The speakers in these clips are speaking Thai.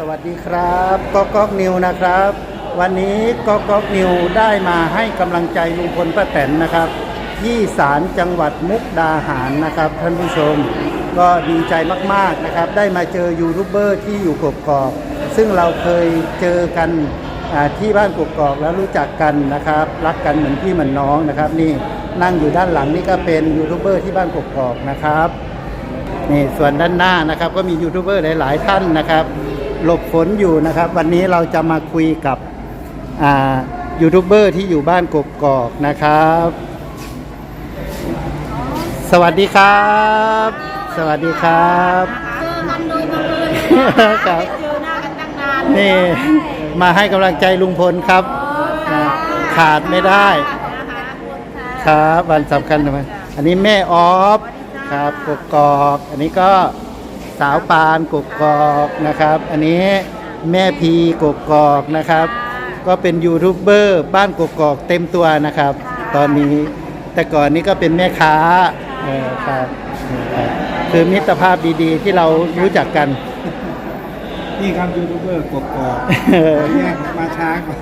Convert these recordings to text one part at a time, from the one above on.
วัสดีครับก๊อกนิวนะครับ วันนี้ก๊อกนิวได้มาให้กำลังใจลุงพลป้าแตนนะครับที่ศาลจังหวัดมุกดาหารนะครับท่านผู้ชมก็ดีใจมากๆนะครับได้มาเจอยูทูบเบอร์ที่อยู่กกอกซึ่งเราเคยเจอกันที่บ้านกกอกแล้วรู้จักกันนะครับรักกันเหมือนพี่เหมือนน้องนะครับนี่นั่งอยู่ด้านหลังนี่ก็เป็นยูทูบเบอร์ที่บ้านกกอกนะครับนี่ส่วนด้านหน้านะครับก็มียูทูบเบอร์หลายๆท่านนะครับหลบฝนอยู่นะครับวันนี้เราจะมาคุยกับยูทูบเบอร์ที่อยู่บ้านกกอกนะครับสวัสดีครับสวัสดีครับเจอกันโดยบังเอิญครับเจอหน้ากันตั้งนานนี่มาให้กำลังใจลุงพลครับขาดไม่ได้ครับวันสำคัญทำไมอันนี้แม่ออฟครับกกอกอันนี้ก็สาวปานกกอกนะครับอันนี้แม่พีกกอกนะครับก็เป็นยูทูบเบอร์บ้านกกอกเต็มตัวนะครับตอนนี้แต่ก่อนนี้ก็เป็นแม่ค้าครับคือมิตรภาพดีๆที่เรารู้จักกันนี่ครับยูทูบเบอร์กกอกแยกมาช้ากว่า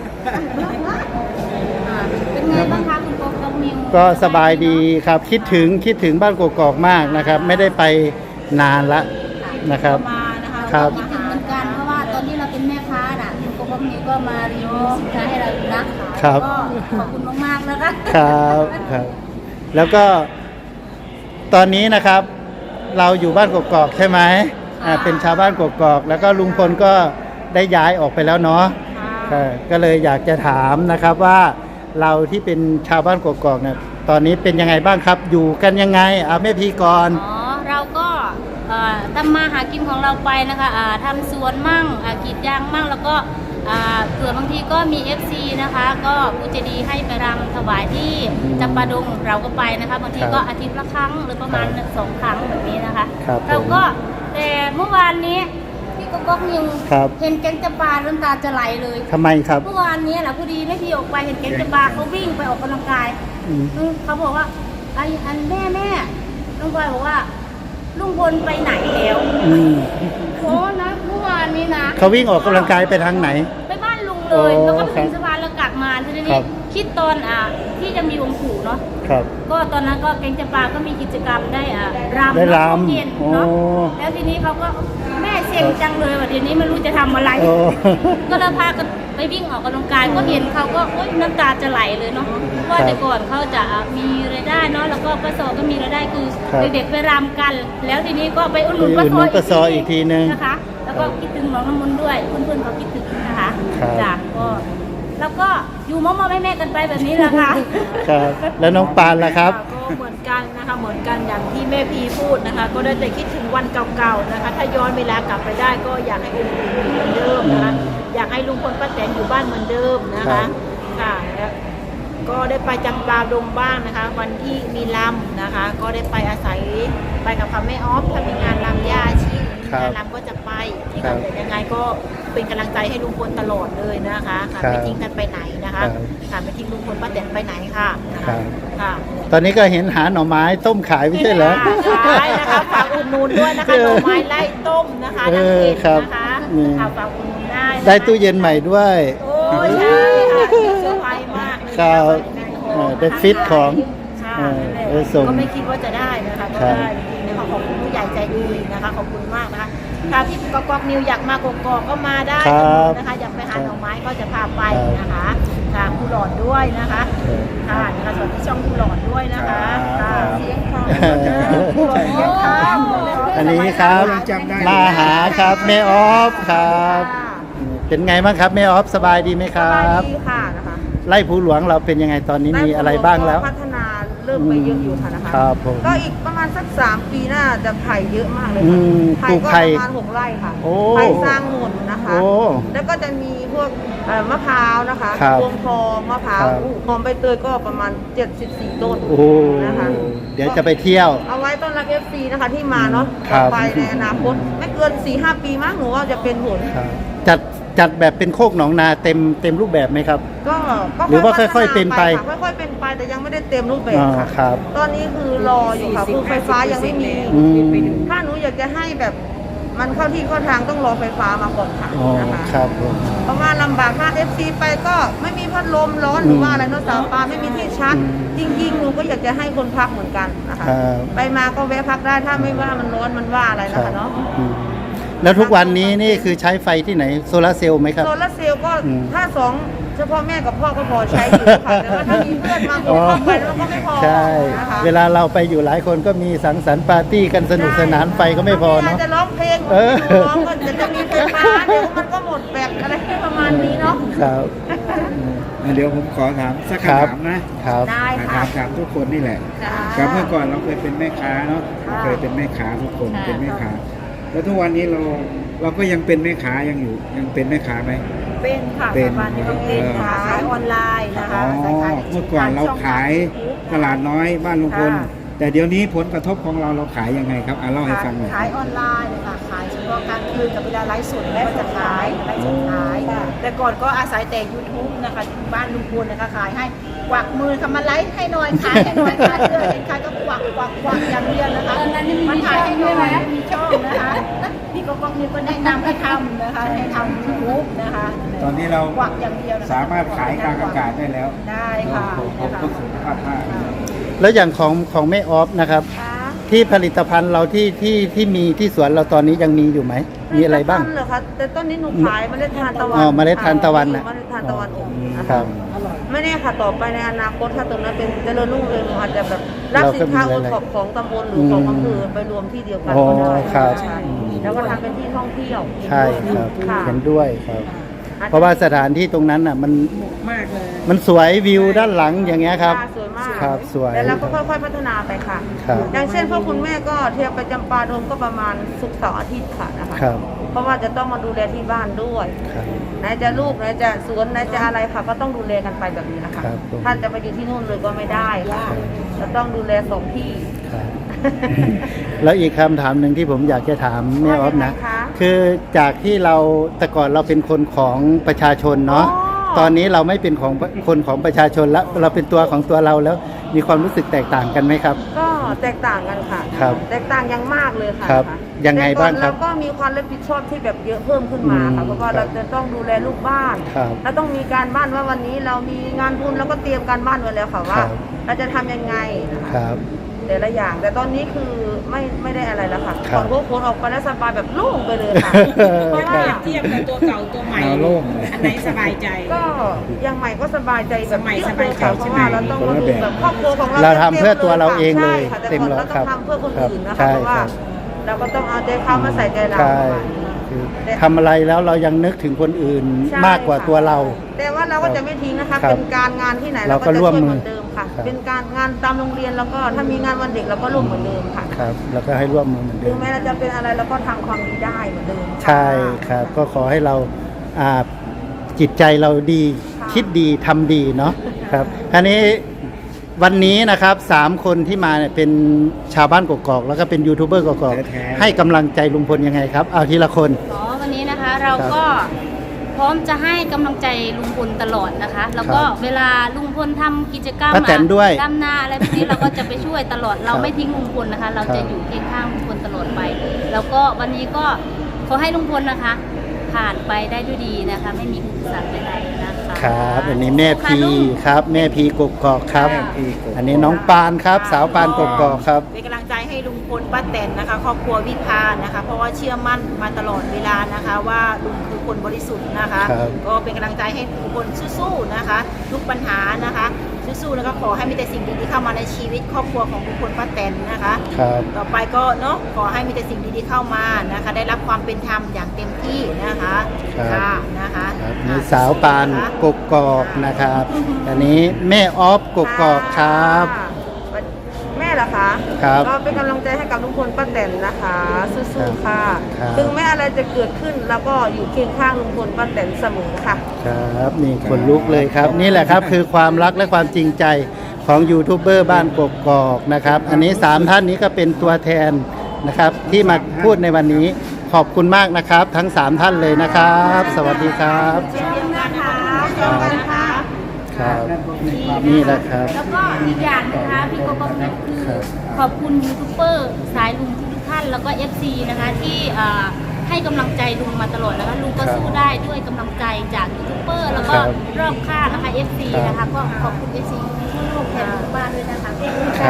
เป็นไงบ้างคะคุณก๊อกนิวก็สบายดีครับคิดถึงบ้านกกอกมากนะครับไม่ได้ไปนานละนะครับมานะคะครับคิดถึงเหมือนกันเพราะว่าตอนที่เราเป็นแม่ค้าน่ะคุณก๊อกนิวก็มารีวิวสินค้าให้เราดูนะครับก็ขอบคุณมากๆนะคะครับครับแล้วก็ตอนนี้นะครับเราอยู่บ้านกกอกใช่ไหมเป็นชาวบ้านกกอกแล้วก็ลุงพลก็ได้ย้ายออกไปแล้วเนาะก็เลยอยากจะถามนะครับว่าเราที่เป็นชาวบ้านกกอกเนี่ยตอนนี้เป็นยังไงบ้างครับอยู่กันยังไงแม่พีก่อนเราก็ทำมาหากินของเราไปนะคะทำสวนมั่งกรีดยางมั่งแล้วก็เผื่อบางทีก็มี FC นะคะก็ผู้ใจดีให้ไปรำถวายที่จำปาดงเราก็ไปนะคะบางทีก็อาทิตย์ละครั้งหรือประมาณ2 ครั้งแบบนี้นะคะเราก็แต่เมื่อวานนี้พี่ก๊อกนิวเห็นแก๊งจำปาน้ำตาจะไหลเลยทำไมครับเมื่อวานนี้แหละพอดีแม่พี่ออกไปเห็นแก๊งจำปาเขาวิ่งไปออกกำลังกายเขาบอกว่าอันแม่ลุงพลบอกว่าลุงพลไปไหนแล้วโอ้นะเมื่อวานนี้นะเขาวิ่งออกกำลังกายไปทางไหนไปบ้านลุงเลยแล้วก็ไปถึงสะพานแล้วกลับมาทีนี้คิดตอนที่จะมีวงขู่เนาะก็ตอนนั้นก็แก๊งจำปาก็มีกิจกรรมได้รำเย็นเนาะแล้วทีนี้เขาก็แม่เซ็งจังเลยว่าทีนี้ไม่รู้จะทำอะไรก็เลยพากันไปวิ่งออกกำลังกายก็เห็นเขาก็น้ำตาจะไหลเลยเนาะว่าแต่ก่อนเขาจะมีรายได้เนาะแล้วก็ป้าซอก็มีรายได้คือเด็กๆไปรำกันแล้วทีนี้ก็ไปอุดหนุนป้าซออีกทีนึงนะคะแล้วก็คิดถึงน้องน้ำมนต์ด้วยเพื่อนๆเขาคิดถึงนะคะจ้ะก็แล้วก็อยู่มอแม่กันไปแบบนี้แหละค่ะครับแล้วน้องปานล่ะครับก็เหมือนกันนะคะเหมือนกันอย่างที่แม่พีพูดนะคะก็ได้แต่คิดถึงวันเก่าๆนะคะถ้าย้อนเวลากลับไปได้ก็อยากให้ลุงพลเหมือนเดิมนะคะอยากให้ลุงพลป้าแตนอยู่บ้านเหมือนเดิมนะคะค่ะก็ได้ไปจำปาดงบ้างนะคะวันที่มีลำนะคะก็ได้ไปอาศัยไปกับแม่ออฟถ้ามีงานลำย่าชีงานลำก็จะไปที่ไหนยังไงก็เป็นกำลังใจให้ลุงพลตลอดเลยนะคะค่ะไม่ทิ้งกันไปไหนนะคะค่ะไม่ทิ้งลุงพลป้าแตนไปไหนค่ะค่ะตอนนี้ก็เห็นหาหน่อไม้ต้มขายไม่ใช่เหรอขายนะคะฝากอุดหนุนด้วยนะคะหน่อไม้ไล่ต้มนะคะทางเพจนะคะฝากอุดหนุนได้ตู้เย็นใหม่ด้วยโอ้ใช่ค่ะเซอร์ไพรส์มากครับได้ฟิตของก็ไม่คิดว่าจะได้นะคะก็ได้จริงๆนะคะขอบคุณผู้ใหญ่ใจดีนะคะขอบคุณมากนะคะถ้าที่ก๊อกนิวอยากมากกอกก็มาได้นะคะอยากไปหาหน่อไม้ก็จะพาไปนะคะค่ะผู้หลอดด้วยนะคะค่ะนะคะสวัสดีช่องผู้หลอดด้วยนะคะเสียงคอันนี้ครับมาหาครับแม่ออฟครับเป็นไงบ้างครับแม่ออฟสบายดีไหมครับสบายดีค่ะนะคะไล่ภูหลวงเราเป็นยังไงตอนนี้มีอะไรบ้างแล้วพัฒนาเริ่มไปเยอะอยู่ค่ะนะคะครับผมก็อีกประมาณสัก3 ปีหน้าจะไผ่เยอะมากเลยค่ะไผ่ก็ประมาณ6 ไร่ค่ะไผ่สร้างหมุนนะคะแล้วก็จะมีพวกมะพร้าวนะคะพวงทองมะพร้าวหอมใบเตยก็ประมาณ74 ต้นนะคะเดี๋ยวจะไปเที่ยวเอาไว้ต้อนรับ FC นะคะที่มาเนาะไปในอนาคตไม่เกิน 4-5 ปีมั้งหนูว่าจะเป็นผลจัดแบบเป็นโคกหนองนาเต็มรูปแบบไหมครับก็หรือว่าค่อยๆเป็นไปค่อยๆเป็นไปแต่ยังไม่ได้เต็มรูปแบบค่ะตอนนี้คือรออยู่ค่ะคือไฟฟ้ายังไม่มีถ้าหนูอยากจะให้แบบมันเข้าที่เข้าทางต้องรอไฟฟ้ามาก่อนค่ะอ๋อนะคะครับผมเพราะว่าลำบากมาก FC ไปก็ไม่มีพัดลมร้อนหรือว่าอะไรเนอะสาวปลาไม่มีที่ชาร์จจริงๆหนูก็อยากจะให้คนพักเหมือนกันนะคะครับไปมาก็แวะพักได้ถ้าไม่ว่ามันร้อนมันว่าอะไรนะคะเนาะอืมแล้วทุกวันนี้นี่คือใช้ไฟที่ไหนโซลาร์เซลล์ไหมครับโซลาร์เซลล์ก็อืมถ้าสองเฉพาะแม่กับพ่อก็พอใช้อยู่ค่ะแต่ว่าถ้ามีเพื่อนมาคนเข้าไปแล้วก็ไม่พอใช่นะคะเวลาเราไปอยู่หลายคนก็มีสังสรรค์ปาร์ตี้กันสนุกสนานไฟก็ไม่พอเนาะจะร้องเพลงเออร้องก็จะมีไฟฟ้าเดี๋ยวมันก็หมดแบบอะไรประมาณนี้เนาะครับเดี๋ยวผมขอถามสักครับคำถามนะครับได้ถาค่ะมทุกคนนี่แหละจ้าครับเมื่อก่อนเราเคยเป็นแม่ค้าเนาะค่ะเคยเป็นแม่ค้าทุกคนค่ะเป็นแม่ค้า แล้วทุกวันนี้เราก็ยังเป็นแม่ค้ายังเป็นแม่ค้าไหมเป็นค่ะเป็นปัจจุบันนี้ก็เป็นค่ะขายออนไลน์นะอ๋คะอเมื่อก่อนเราขายตลาดน้อยบ้านลุงพลค่ะแต่เดี๋ยวนี้ผลกระทบของเราขายยังไงครับเล่าให้ฟังหน่อยขายออนไลน์เลยค่ะขายเฉพาะกลางคืนกับเวลาไลฟ์สดก็จะขายไลฟ์สดขาย แต่ก่อนก็อาศัยแต่ YouTube นะคะที่บ้านลุงพลนะคะขายให้กวักมือคำมาไลฟ์ให้หน่อยขายให้หน่อยขายเลยขายก็กวักอย่างเดียวนะคะตอนนั้นยังมีมันขายให้หน่อยช่องด้วยไหมมีช่องนะคะพี่ก็มีคนแนะนำให้ทำนะคะให้ทำ YouTube นะคะตอนนี้เรากวักอย่างเดียวนะคะสามารถขายกลางอากาศได้แล้วได้ค่ะผมก็สุขภาพมากแล้วอย่างของแม่ออฟนะครับ ที่ผลิตภัณฑ์เราที่มีที่สวนเราตอนนี้ยังมีอยู่ไหม มีอะไรบ้างต้นเหรอคะแต่ต้นนี้หนูขายเมล็ดทานตะวันอ๋อเมล็ดทานตะวันน่ะเมล็ดทานตะวันอบนะครัคะบไม่แน่ค่ะต่อไปในอนาคตถ้าตรงนั้นเป็นเจริญรุ่งเรืองหนูอาจจะแบบรับสินค้าโอท็อปของตำบลหรือของอำเภอไปรวมที่เดียวกันอ๋อก็ได้ครับใช่แล้วก็ทำเป็นที่ท่องเที่ยวใช่ครับค่ะเห็นด้วยครับ เพราะว่าสถานที่ตรงนั้นน่ะมันมากเลยมันสวยวิวด้านหลังอย่างเงี้ยครับสวยมากครับสวยแล้วเราก็ค่อยๆพัฒนาไปค่ะครับอย่างเช่นพวกคุณแม่ก็เที่ยวไปจำปาดงก็ประมาณศุกร์เสาร์อาทิตย์ค่ะนะคะครับเพราะว่าจะต้องมาดูแลที่บ้านด้วยครับไหนจะลูกไหนจะสวนไหนจะอะไรค่ะ ก็ต้องดูแลกันไปแบบนี้นะคะครับผมท่านจะไปอยู่ที่นู่นเลยก็ไม่ได้ค่ะจะต้องดูแลสองที่ครับ แล้วอีกคำถามหนึ่งที่ผมอยากจะถามแม่ออฟนะว่ายังไงคะคือจากที่เราแต่ก่อนเราเป็นคนของประชาชนเนาะอ๋อตอนนี้เราไม่เป็นของคนของประชาชนแล้วเราเป็นตัวของตัวเราแล้วมีความรู้สึกแตกต่างกันไหมครับก็แตกต่างกันค่ะครับแตกต่างอย่างมากเลยค่ะครับะยังไงบ้างครับแต่ก่อนเราก็มีความรับผิดชอบที่แบบเยอะเพิ่มขึ้นมาอืค่ะมเพราะว่าครัเราบจะต้องดูแลลูกบ้านครับเราต้องมีการบ้านว่าวันนี้เรามีงานบุญแล้วก็เตรียมการบ้านไว้แล้วค่ะว่าครับเราจะทำยังไงนะคะครับแต่ละอย่าง แต่ตอนนี้คือไม่ได้อะไรแล้วค่ะครับก่อนพวกคนออกไปแล้วสบายแบบโล่งไปเลยค่ะ เพราะว่าเทียบกับตัวเก่าตัวใหม่เอาโล่งเลยอันไหนสบายใจก็ยังใหม่ก็สบายใจแบบสมัยเยอะสเลบายยใจค่ะเพใช่ราะไหมว่าเราต้องมาดูแบบครอบครัวของเราเราทำเพื่อตัวเราเองเลยใช่ค่ะแต่เต็มก่อนร้อยเราคต้รัอบ งทำเพื่อคนอื่นนะใช่คะเพราะว่าครับเราก็ต้องเอาใจเขามาใส่ใจเราใช่ประมาณนี้คือทำอะไรแล้วเรายังนึกถึงคนอื่นใช่มากกว่าตัวเราแต่ว่าเราก็จะไม่ทิ้งนะคะครับเป็นการงานที่ไหนเราเราก็ก็จะร่วมช่วยมือเหมือนเดิมค่ะครับเป็นการงานตามโรงเรียนแล้วก็ถ้ามีงานวันเด็กเราก็ร่วมเหมือนเดิมค่ะครับแล้วก็ให้ร่วมมือเหมือนเดิถึงมแม้เราจะเป็นอะไรเราก็ทำความดีได้เหมือนเดิมค่ะใช่ครับ ก็ขอให้เราอ่าจิตใจเราดีค่ะคิดดีทำดีเนาะครับอันนี้วันนี้นะครับ3คนที่มาเนี่ยเป็นชาวบ้านกกอกแล้วก็เป็นยูทูบเบอร์กกอกแท้ๆให้กำลังใจลุงพลยังไงครับ เอาทีละคนอ๋อวันนี้นะคะเราก็พร้อมจะให้กำลังใจลุงพลตลอดนะคะ แล้วก็ครับเวลาลุงพลทำกิจกรรมป้าแตนด้วยดำนาอะไรพวกนี้เราก็จะไปช่วยตลอดเราครับไม่ทิ้งลุงพลนะคะ เราครัจะบอยู่เคียงข้างลุงพลตลอดไป แล้วก็วันนี้ก็ขอให้ลุงพลนะคะ ผ่านไปได้ด้วยดีนะคะ ไม่มีอุปสรรคใดๆนะคะครับอันนี้แม่ค่ะพีลุงครับ แม่พีกกอกครับแม่พีกกอกอันนี้น้องปานครับ สาวปานกกอกครับเป็นกำลังใจให้ลุงพลป้าแตนนะคะ ครอบครัววิภานะคะ เพราะว่าเชื่อมั่นมาตลอดเวลานะคะ ว่าลุงคือคนบริสุทธิ์นะคะครับก็เป็นกำลังใจให้ลุงพลสู้ๆนะคะ ทุกปัญหานะคะสู้ๆแล้วก็ขอให้มีแต่สิ่งดีๆเข้ามาในชีวิตครอบครัวของลุงพลป้าแตนนะคะครับต่อไปก็เนาะขอให้มีแต่สิ่งดีๆเข้ามานะคะ ได้รับความเป็นธรรมอย่างเต็มที่นะคะครับค่ะนะคะครับนี่สาวปานกกอกนะครับ อันนี้แม่ออฟกกอกครับค่ะแม่เหรอคะครับก็เป็นกำลังใจให้กับลุงพลป้าแตนนะคะสู้ๆค่ะครับถึงแม้อะไรจะเกิดขึ้นแล้วก็อยู่เคียงข้างลุงพลป้าแตนเสมอค่ะครับนี่คนลุกเลยครับ นี่แหละครับคือความรักและความจริงใจของยูทูบเบอร์บ้านกกอกนะครับ อันนี้3ท่านนี้ก็เป็นตัวแทนนะครับ ที่มาพูดในวันนี้ขอบคุณมากนะครับ ทั้ง3ท่านเลยนะครับ สวัสดีครับเช่นเดียวกันนะคะเช่นกันค่ะครับนี่แหละครับแล้วก็อีกอย่างนะคะพี่โกโก้คือครับขอบคุณยูทูบเบอร์สายลุงทุกท่านแล้วก็ FC นะคะที่ให้กำลังใจลุงมาตลอดนะคะลุงก็สู้ได้ด้วยกำลังใจจากยูทูบเบอร์แล้วก็ครับรอบข้างนะคะ FC ครับนะคะก็ขอบคุณ FC ทุกแทนทุกบ้านด้วยนะคะขอบคุณคค่ะ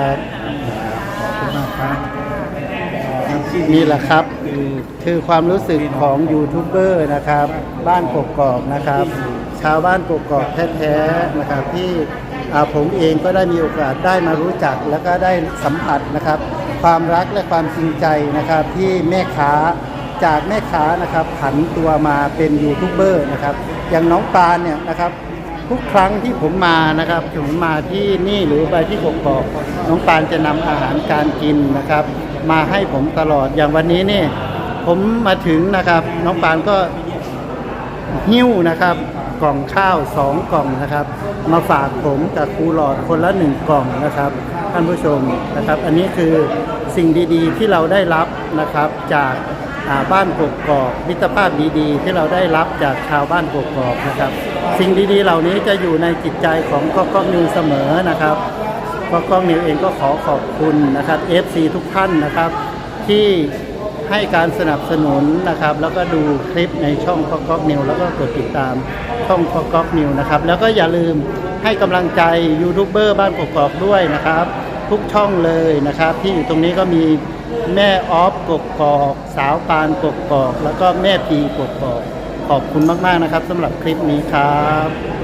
รับครับที่นี่แหละครับคือความรู้สึกของยูทูบเบอร์นะครับ บ้านกกอกนะครับ ชาวบ้านกกอกแท้ๆนะครับที่ผมเองก็ได้มีโอกาสได้มารู้จักแล้วก็ได้สัมผัสนะครับ ความรักและความจริงใจนะครับ ที่แม่ค้าจากแม่ค้านะครับผันตัวมาเป็นยูทูบเบอร์นะครับ อย่างน้องปานเนี่ยนะครับ ทุกครั้งที่ผมมานะครับผมมาที่นี่หรือไปที่กกอกน้องปานจะนำอาหารการกินนะครับ มาให้ผมตลอดอย่างวันนี้นี่ผมมาถึงนะครับ น้องปานก็หิ้วนะครับ กล่องข้าว2 กล่องนะครับ มาฝากผมกับครูหลอดคนละ1 กล่องนะครับท่านผู้ชมนะครับ อันนี้คือสิ่งดีๆที่เราได้รับนะครับจากบ้านกกอกมิตรภาพดีๆที่เราได้รับจากชาวบ้านกกอกนะครับ สิ่งดีๆเหล่านี้จะอยู่ในจิตใจของก๊อกนิวเสมอนะครับก๊อกนิวเองก็ขอขอบคุณนะครับ FC ทุกท่านนะครับที่ให้การสนับสนุนนะครับ แล้วก็ดูคลิปในช่องก๊อกนิวแล้วก็กดติดตามช่องก๊อกนิวนะครับแล้วก็อย่าลืมให้กำลังใจยูทูบเบอร์บ้านกกอกด้วยนะครับ ทุกช่องเลยนะครับ ที่อยู่ตรงนี้ก็มีแม่ออฟกกอกสาวปานกกอกแล้วก็แม่พีกกอกขอบคุณมากๆนะครับสำหรับคลิปนี้ครับ